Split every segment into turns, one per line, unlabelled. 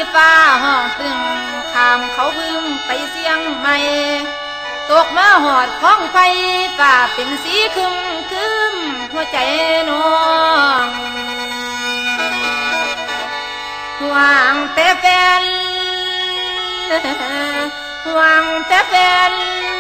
ฟ้าห้องตึงข้ามเขาบึงไปเสียงใหม่ตกมาหอดข้องไฟฟ้าเป็นสีคึมคึมหัวใจน้องหวังแต่แฟนหวังแต่แฟน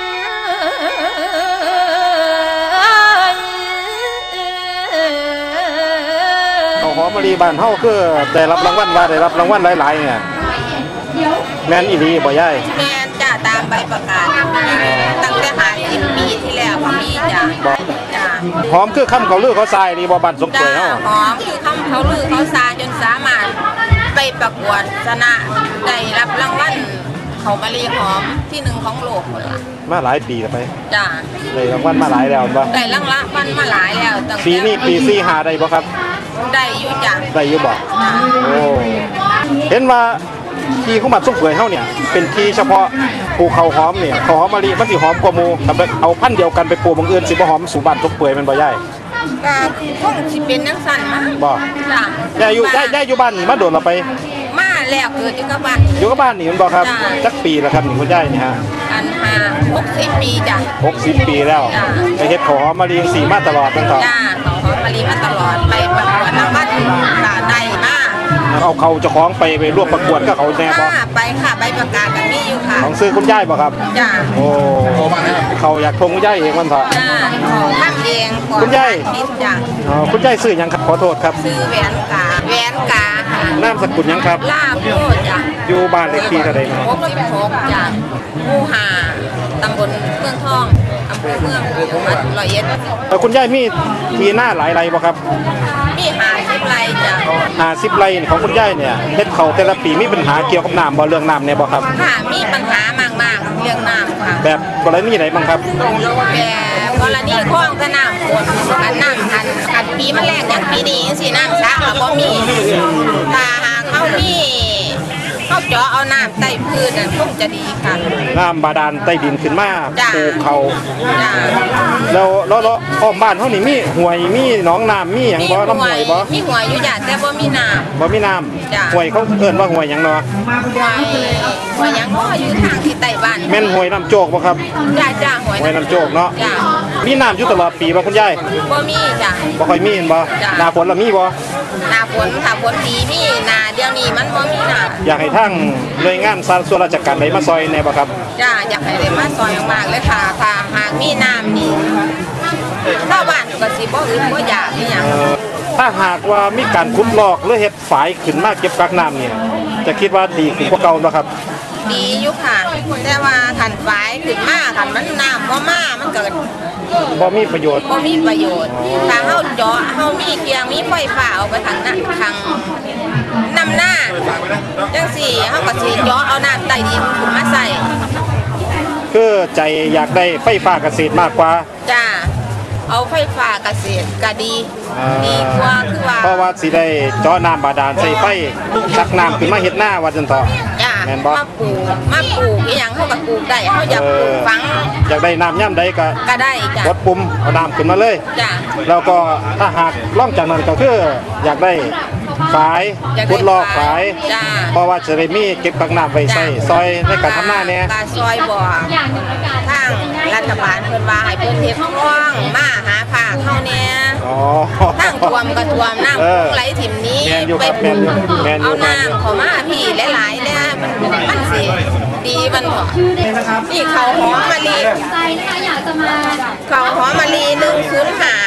เขาหอมมะลิบ้านเฮาคือได้รับรางวัลว่าได้รับรางวัลหลายๆเนี่ยแม่นอีหลีบ่ยาย
แม่จ้าตามใบประกาศตั้งแต่50 ปีที่แล้วก็มีจ้าจ้า
หอมคือคำเขาลือเขาทรายนี่บ่บ้านสมป่วยเฮา
หอมคือคำเขาลือเขาซาจนสามารถไปประกวดชนะได้รับรางวัลเขามะลิหอมที่1ของโลกคนละ
มาหลายปีแล้วไป
จ้า
ได้รางวัลมาหลายแล้วบ่
ได้รางวัลมาหลายแล้วตั้งแต่
ปีนี้ปี45ได้บ่ครับ
ได้อยู่จ้า
ได้อยู่บ่โอ้เห็นว่าที่ของบ้านสมป่วยเฮาเนี่ยเป็นที่เฉพาะปลูกข้าวหอมเนี่ยข้าวหอมมะลิมันสิหอมกว่าหมู่ถ้าเอาพันธุ์เดียวกันไปปลูกบางอื่นสิบ่หอมสู่บ้านสมป่วยแม่นบ่ยาย
ก็คงสิเป็นจังซั่นมั้ง
บ่
จ้า
ยายอยู่บ้านมาโดนเราไป
มาแล้วเกิดอยู่กับบ้าน
อยู่กับบ้านนี่มันบ่ครับจักปีแล้วครับนี่คุณยายนี่ฮะ
อัน60 ปีจ้ะ
60 ปีแล้วไปเฮ็ดข้าวหอมมะลิสีมาตลอดตั้งแต่
จ้าข้าวหอมมะลิมาตลอดไปประกวดรางวัลก็ได้มา
เอาเขาเจ้าของไปร่วมประกวดกับเขาแน่บ่
ไปค่ะใบประกาศกันมีอยู่ค่ะ
ของซื้อคุณยายบ่ครับ
จ้า
โอ้เขาอยากทงคุณยายเองมันเถอะ
จ้าของทำเอง
คุณยาย
จ้า
คุณยายซื้อหยังครับขอโทษครับ
ซื้อแหวนกาน
ามสกุลหยังครับ
ลาโพจ้ะ
อยู่บ้านเลขที่เท่าใดครับ
66จ้ะหมู่5ตำบลเมืองทองอำเภอเมืองจังหวัด101
คุณยายมีที่หน้าหลายไร่บ่ครับ
มี50 ไร่จ้ะ
50 ไร่ของคุณยายเนี่ยเฮ็ดเขาแต่ละปีมีปัญหาเกี่ยวกับน้ำบ่เรื่องน้ำเนี่ยบ่ครับ
ค่ะมีปัญหามากๆเรื่องน้ำค่ะ
แบบกรณีไหนบ้างครับ
แบบกรณีคลองสนามฝนกันน้ำคันปีมันแรกอย่างปีนี้สิน้ำสระก็บ่มีถ้าหากเขามีเขาเจาะเอาน้ำใต้พื้นคงจะดีค่ะ
น้ำบาดาลใต้ดินขึ้นมาปลูกเขาแล้วอ้อมบ้านเฮานี่มีห้วยมีหนองน้ำมีหยังบ่ลำห้วยบ่
มีห้วยอยู่จ้ะแต่บ่มีน้ำ
บ่มีน้ำห้วยเขาเอิ้นว่าห้วยหยังเนาะ
ห้วยหยังก็อยู่ทางที่ใต้บ้าน
แม่นห้วยน้ำโจกบ่ครับ
จ้า
ห้วยน้ำโจกเนาะมีน้ำอยู่ตลอดปีบ่คุณยาย
บ่มีจ้ะ
บ่ค่อยมีเห็นบ่หน้าฝนละมีบ่
หน้าฝนถ้าฝนดีมีหน้าเดี๋ยวนี้มันบ่มีน้ำ
อยากให้ทางหน่วยงานส่วนราชการได้มาซอยแน่บ่ครับ
จ้าอยากให้ได้มาซอยมากๆเลยค่ะถ้าหากมีน้ำนี่ชาวบ้านก็สิบ่อึดบ่อยากอีหยัง
ถ้าหากว่ามีการขุดลอกหรือเฮ็ดฝายขึ้นมาเก็บกักน้ำเนี่ยจะคิดว่าดีขึ้นกว่าเก่าบ่ครับ
ดีอยู่ค่ะแต่ว่าคันฝายขึ้นมาคันมันน้ำบ่มามันเกิด
บ่มีประโยชน์
ถ้าเฮาเจาะเฮามีเกียงมีไฟฟ้าเอาไปทางนั้นทางนำหน้าจังซี่เฮาก็สิเจาะเอาน้ำใต้ดินขึ้นมาใส่
คือใจอยากได้ไฟฟ้าเกษตรมากกว่า
จ้าเอาไฟฟ้าเกษตรก็ดีกว่าคือว่า
เพราะว่าสิได้เจาะน้ำบาดาลใส่ไฟชักน้ำขึ้นมาเฮ็ดหน้าว่าจังต่อ
แม่นบ่มาปลูกอีหยังเฮาก็ปลูกได้เฮาอยากปลูกฝัง
อยากได้น้ำย่ำใดก็
ได้จ้ะ
กดปุ่มเอาน้ำขึ้นมาเลย
จ้ะ
แล้วก็ถ้าหากล่องจากนั้นก็คืออยากได้ฝายขุดลอกฝายเพราะว่าจะได้มีเก็บกักน้ำไว้ใส่ซอยในการทำหน้าเนี่ย
ซอยบ่ทางรัฐบาลเพิ่นว่าให้เพิ่นเฮ็ดคลองมาหาภาคเฮาเนี่ยทางท่วมก็ท่วมน้ำไหลถิ่มนี้ไปเอาน้ำเข้ามาพี่หลายๆเนี่ยมันสิดีมันบ่นี่ข้าวหอมมะลิข้าวหอมมะลิ105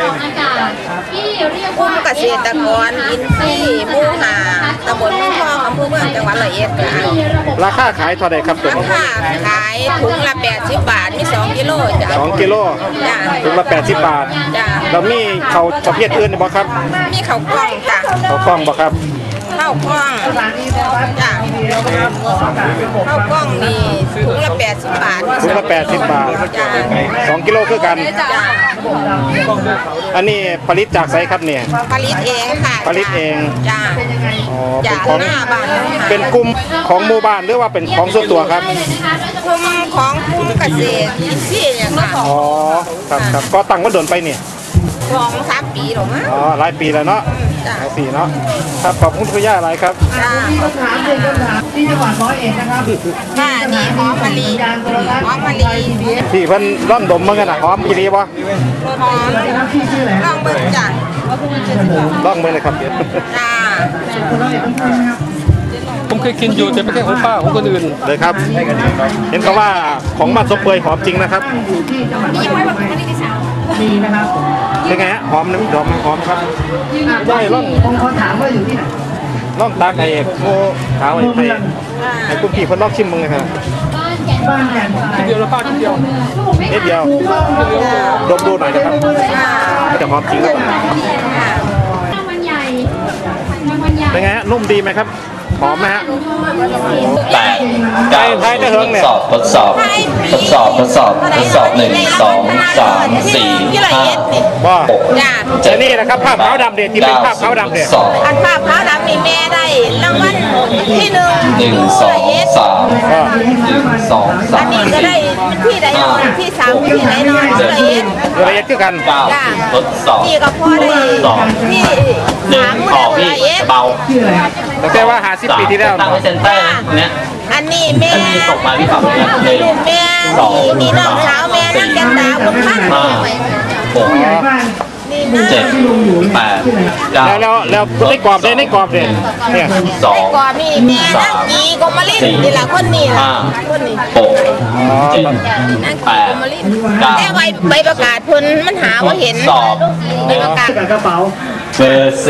กลุ่มเกษตรกรอินทรีย์หมู่5ตำบลเมืองทองอำเภอเมืองจังหวัด101ค่ะ
ราคาขายเท่าใดครับตัว
ราคาขายถุงละ80 บาทมี2 กิโลจ้ะ
2 กิโล
จ้ะ
ถุงละ80 บาท
จ้ะ
แล้วมีข้าวประเภทอื่นบ่ครับ
มีข้าวกล้องจ้ะ
ข้าวกล้องบ่ครับ
ข้าวกล้องจ้ะข้าวกล้องนี่ถุงละ80 บาท
ถุงละ80 บาท2 กิโลคือกันอันนี้ผลิตจากไสครับเนี่ย
ผลิตเองค่ะ
ผลิตเอง
จ้า
เป็นของเป็นกลุ่มของหมู่บ้านหรือว่าเป็นของส่วนตัวครับ
กลุ่มของกลุ่มเกษตรอินทรีย์เนี่ยค่ะ
อ๋อครับก็ตั้งว่าโดนไปเนี่ย
2-3 ปีหรอมั้ง
อ๋อหลายปีแล้วเนาะ
จ้ะ
หลายปีเนาะครับขอบคุณคุณย่าอะไรครับ
จ้า
มีคำถามหนึ่งคำถามที่จังหวัดร้อยเอ็ดนะครับ
ค่ะนี่หอมมะลิหอมมะลิ
ที่เพิ่นร่อนดมมันกันนะหอมอีรีบ่
หอม
นะครับที่ชื่ออะไร
ลองเบิ่งจ้ะ
ร่องมือเลยครับเดี๋ยว
จ้า
คนร้อยเอ็ดต้องพูดนะครับ
ผมเคยกินอยู่แต่ไม่ใช่ของป้าของคนอื่น
เลยครับ เห็นเขาว่าของบ้านสมเปยหอมจริงนะครับ
อยู่ที่จังหวัดร้อยเอ็ดมีนะครับ
เป็นไงฮะหอมนะหอมครับย่อยร่อง
ผมขอถามว่าอยู่ที่ไหน
ร่องตากไอ้โคขาวไอ้ไทยไอ้คุณพี่คนลอกชิมมึงเลยครับ
บ้านแก่น
เดียวแล้วป้ากินเดียว
นิดเดียวดมดูหน่อยนะครับจะหอมจริงครับ
รางวัลใหญ่รางวัลใหญ่
เป็นไงฮะนุ่มดีไหมครับหอมไหมฮะ
แปดเก้า
ไทยได้เฮิงเนี่ย
ทดสอบ1 2 3 4 5
ว่า
จ้า
เจนี่นะครับภาพขาวดำเด็ดที่เป็นภาพขาวดำเด็ด
2
อันภาพขาวดำนี่แม่ได้รางวัลที่1
1 2 3 1 2
อันนี้ก็ได้ที่ใดนอนที่3ที่ไหนนอนละเอียด
ละเอียดคือกัน
9ทดสอบ
นี่ก็พอได้ที่
1 ขอพี่
ละเอียด
เบา
ชื่ออะไรครับ
แต่ว่า50 ปีที่แล้ว
ตั้งไว้เซนเตอร์นะตรงเนี้ย
อันนี้แม่
อันนี้ส่งมาพี่ขับเลยหนึ่ง
ลูกแม่มีน้องสาวแม่นั่งแกนดาวบุญพันธ์
5
ผู้ใหญ่
6
บ้าน
นี่นะ
7 8 9
แล้วในกรอบเด่นในกรอบเด่นเนี่ย
2
ก่อนมีแม่นั่งกีกมาลินนี่ละคนนี้ละคนนี้
6 7
นั่งกีกมาลินแต่ใบประกาศเพิ่นมันหาว่าเห็น
สอบ
ใบประกาศ
กับกระเป๋า
เบอร์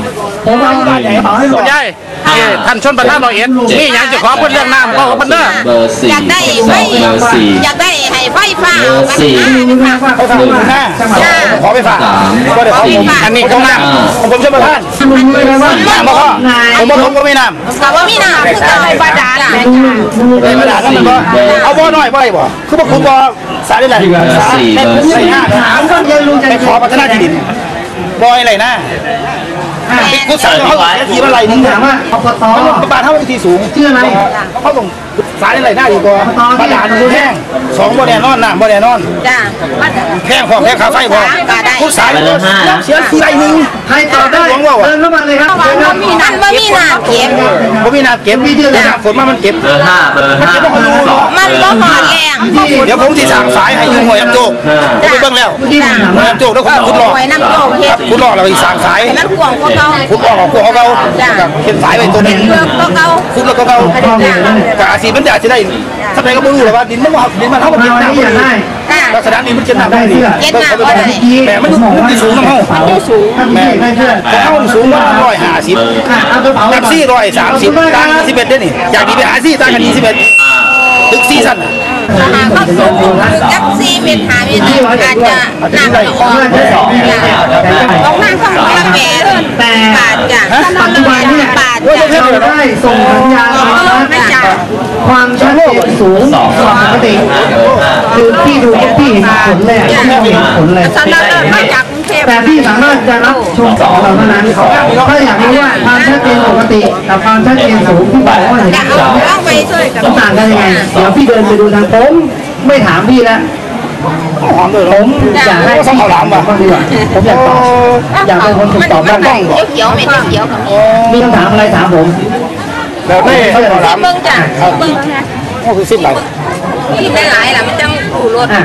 4
ผมเอาบ้านใหญ่กระเป๋าให้หม
คุ
ด
ณยายนี่ท่านชนประธานร้อยเอ็ดนี่ยังจะขอเพิ่นเรื่องน้ำก็เพิ่นเด้อ
เบอร์4
อยากได้ไฟ
เบอร์4
อยากได้ให้ไฟฟ้า
เบอร์สี่
รู้นะว่าเขาทำมาจังหวัด
ขอไปฝากก็เดี๋ยวเขาอันนี้ก็น้ำผมชนประธาน
ลุงเลยนะว่า
น้ำบ่พ่อผมก็ไม่น้ำ
กับว่ามีน้ำคือการบาดาล
เลยมาด่ากันมันก็เอาบ่อน้อยบ่ได้บ่คือบ่คุณบ่สายได้หลายสายได้ห้า
ถามก็เย็นลุงจะ
ไปขอพัฒนาที่ดินบ่อยอะไรนะกูสั่งเขาทีว่าไรนึง
ถามว่าอบต
บ้านเท่าที่สูง
ชื่ออะไร
เขาต้องสายอะไรหน้าดีกว่าบ้านด่านมันแห้ง2บ่แน่นอนน้ำบ่แน่นอน
จ้า
แพงพอแพงค่าไฟพอผู้สายเสียทีไรนึง
ใครตอบได้เดินเข้ามาเลยครับ
มันมีน้ำเก็บ
บ่มีน้ำเก็บมีเดือนฝนมามันเก็บ
เบอร์5เบอร์5 2
มันบ่หอดแรง
เดี๋ยวผมที่สั่งสายให้ยืมหัวยำโจกผมไปเบิ่งแล้ว
ที่ผมถาม
หัว
ว่า
ยำโจกแล้วคุณหลอก
ไว้น้ำโจกเฮ็ด
คุณหลอกเราอีกสั่งสาย
มันกวางกว่าเก่า
คุณออกของพวกเขาเป็นสายไปตัวนึง
เลือกก็เก่า
คุณแล้วก็เขากอาศีมันจะได้ทำไมก็ไม่รู้หรอกว่าดินมันเท่ากับดิน
มา
น้ำ
ที่อยากได้
ลักษณะนี้มันจะหนักได้ดี
เย็นหนาบ่ได้
แต่มันสูงน้ำเฮา
แม่ได้เพื่อน
แต่เฮาสูงว่า150
เอากระเป๋า
ตักซี่130ต่างกัน11ได้นี่อยากดีไปหาซี่ต่างกัน21ตึกซี่สั้น
เข้าสูงจัก4เมตร5เมตรอาจจะหนักกว่าออกมาของละแปดบาทจ้ะ
ปัจจุบันเนี่ย
บาท
เรา
จ้ะ
ได้ส่งสัญญาณความชัดเจนสูงกว่าปกติคือพี่ดูพี่เห็นผลเลยพี่เห็นผลเลย
สำนักมาจากกรุงเทพ
แต่พี่สามารถจะรับชมของเราเท่านั้นถ้าอยากรู้ว่าความชัดเจนปกติกับความชัดเจนสูงที่บอกว่าเห็น
จะเอาลองไปช่วยกับ
ต่างกันยังไงเดี๋ยวพี่เดินไปดูทางผมไม่ถามพี่แล้ว
หอมเลย
ผมอยากให้พี่ตอบบ้างดีกว่าผมอยากตอบอยากเป็นคนถูกตอบบ้าง
เขียวไม่ได้เขียวกับ
มีคำถามอะไรถามผม
แล้วนี่ข้าวหลาม
เบิ่งจ้ะเบิ่งนะ
ก็คือสิ้นไหล
กินได้หลายล่ะมันจังถูรส
อ่ะ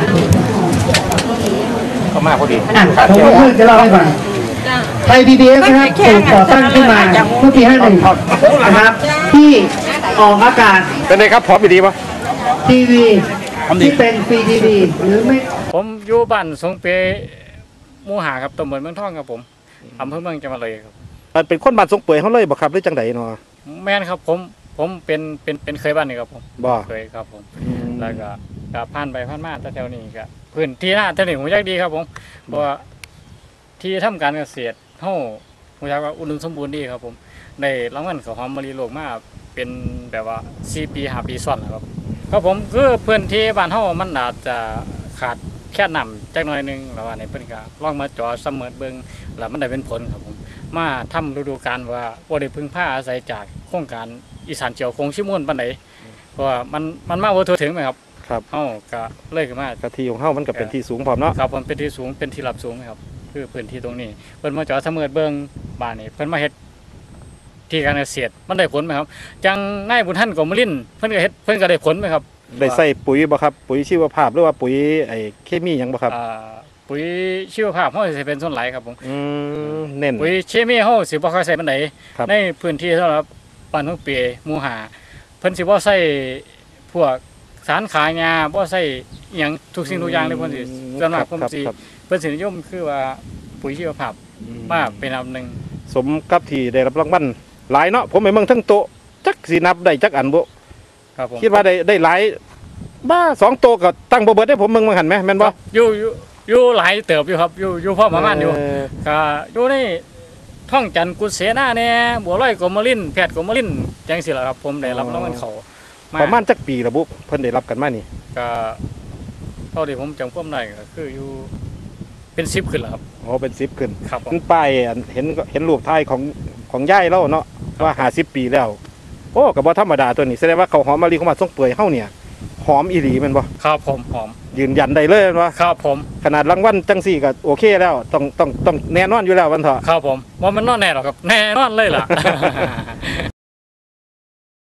ก็มาพอดี
ผมก็เพิ่งจะเล่าให้ฟังไทย PBS นะครับถูกก่อตั้งขึ้นมาเมื่อปี51นะครับที่ออกอากาศ
เป็นไงครับพร้อมดีป่ะ
ทีวีที่เป็นฟรีทีวีหรือไม่
ผมอยู่บ้านสงเปหมู่หาครับตำบลเมืองทองครับผมอำเภอเมืองจังหวัดเลยครับ
เป็นคนบ้านสงเปื่อยเขาเลยบ่ครับหรือจังไดเนาะ
แม่นครับผมเป็นเคยบ้านนี่ครับผม
บ่
เคยครับผมแล้วก็ผ่านไปผ่านมาแถวนี้ก็พื้นที่หน้าแถวนี้ผมอยากดีครับผมเพราะว่าที่ทำการเกษตรเฮาผมอยากว่าอุดมสมบูรณ์ดีครับผมได้รางวัลข้าวหอมมะลิโลกมาเป็นแบบว่า4 ปี5 ปีซ้อนแล้วครับครับผมคือพื้นที่บ้านเฮามันอาจจะขาดแค่น้ำจักหน่อยนึงแล้วว่าในเพิ่นก็ลองมาจ่อเสมอเบิ่งแล้วมันได้เป็นผลครับผมมาทำฤดูกาลว่าบ่ได้พึ่งพาอาศัยจากโครงการอีสานเจียวคงชิมวนปานใดเพราะว่ามันมาบ่ทั่วถึงไหมครับ
ครับ
เฮาก็เลยขึ้นมาก
ะทิของเฮามันก็เป็นที่สูงพร้อมเนาะ
ครับผมเป็นที่สูงเป็นที่รับสูงครับ
คื
คือพื้นที่ตรงนี้เพิ่นมาจอดสำรวจเบิ่งบ้านนี่เพิ่นมาเฮ็ดที่การเกษตรมันได้ผลไหมครับจังนายบุญท่านกมลินเพิ่นก็เฮ็ดเพิ่นก็ได้ผลไหมครับ
ได้ใส่ปุ๋ยบ่ครับปุ๋ยชีวภาพหรือว่าปุ๋ยไอ้เคมีหยังบ่ครับ
ปุ๋ยชีวภาพเฮาสิเป็นส่วนหลายครับผม
เน้น
ปุ๋ยเคมีเฮาสิบ่ค่อยใส่ปานใดในพื้นที่สำหรับบ้านทุ่งเปียหมู่5เพิ่นสิบ่ใส่พวกสารขายาบ่ใส่หยังทุกสิ่งทุกอย่างเลยเพิ่นสิสำหรับผมสิเพิ่นสินิยมคือว่าปุ๋ยชีวภาพมาเป็นอันนึง
สมกับที่ได้รับรางวัลหลายเนาะผมไปเมืองทั้งโตจักสินับได้จักอันบ่
ครับผม
คิดว่าได้หลายบ้า2โตก็ตั้งบ่เบิดได้ผมเมืองหันมั้ยแม่นบ่
อยู่หลายเติบอยู่ครับอยู่พอประมาณอยู่ก็อยู่ในท่องจันทร์กุเสนาแน่บัวลอยกมลินแพทย์กมลินจังซี่ล่ะครับผมได้รับรางวัลเขา
ประมาณจักปีละบุเพิ่นได้รับกันมานี่
ก็เท่าที่ผมจำความได้ก็คืออยู่เป็น10ขึ้นแล้วครับ
อ๋อเป็น10ขึ้น
ครับ
ผมป้ายเห็นรูปถ่ายของยายเราเนาะว่า50ปีแล้วโอ้ก็บ่ธรรมดาตัวนี้แสดงว่าข้าวหอมมะลิของบ้านทรงเปื่อยเฮาเนี่ยหอมอีหลีแม่นบ่
ครับผมหอม
ยืนยันได้เลยแม่นบ่
ครับผม
ขนาดรางวัลจังซี่ก็โอเคแล้วต้องแน่นอนอยู่แล้ววันเถาะ
ครับผมว่ามันนอนแน่หรอครับแน่นอนเลยล่ะ